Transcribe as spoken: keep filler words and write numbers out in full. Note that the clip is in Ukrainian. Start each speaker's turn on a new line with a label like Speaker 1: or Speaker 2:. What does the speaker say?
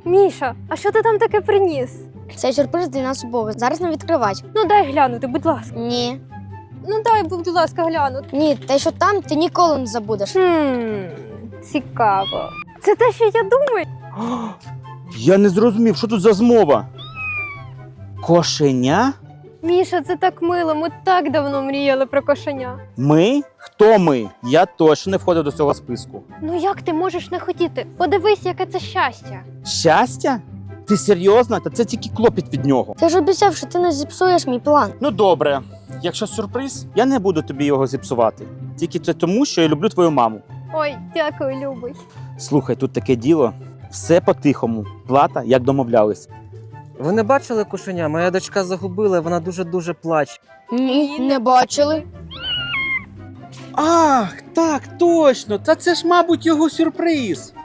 Speaker 1: Міша, а що ти там таке приніс?
Speaker 2: Цей сюрприз для нас обох. Зараз не відкривати.
Speaker 1: Ну дай глянути, будь ласка.
Speaker 2: Ні.
Speaker 1: Ну дай, будь ласка, глянути.
Speaker 2: Ні, те, що там, ти ніколи не забудеш.
Speaker 1: Хм, цікаво. Це те, що я думаю?
Speaker 3: Я не зрозумів, що тут за змова? Кошеня?
Speaker 1: Міша, це так мило, ми так давно мріяли про кошеня.
Speaker 3: Ми? Хто ми? Я точно не входив до цього списку.
Speaker 1: Ну як ти можеш не хотіти? Подивись, яке це щастя.
Speaker 3: Щастя? Ти серйозно? Та це тільки клопіт від нього.
Speaker 2: Ти ж обіцяв, що ти не зіпсуєш мій план.
Speaker 3: Ну добре, якщо сюрприз, я не буду тобі його зіпсувати. Тільки це тому, що я люблю твою маму.
Speaker 1: Ой, дякую, любий.
Speaker 3: Слухай, тут таке діло. Все по-тихому. Плата, як домовлялись.
Speaker 4: Ви не бачили кошеня? Моя дочка загубила, вона дуже-дуже плаче.
Speaker 2: Ні, не бачили.
Speaker 3: Ах, так, точно! Та це ж, мабуть, його сюрприз.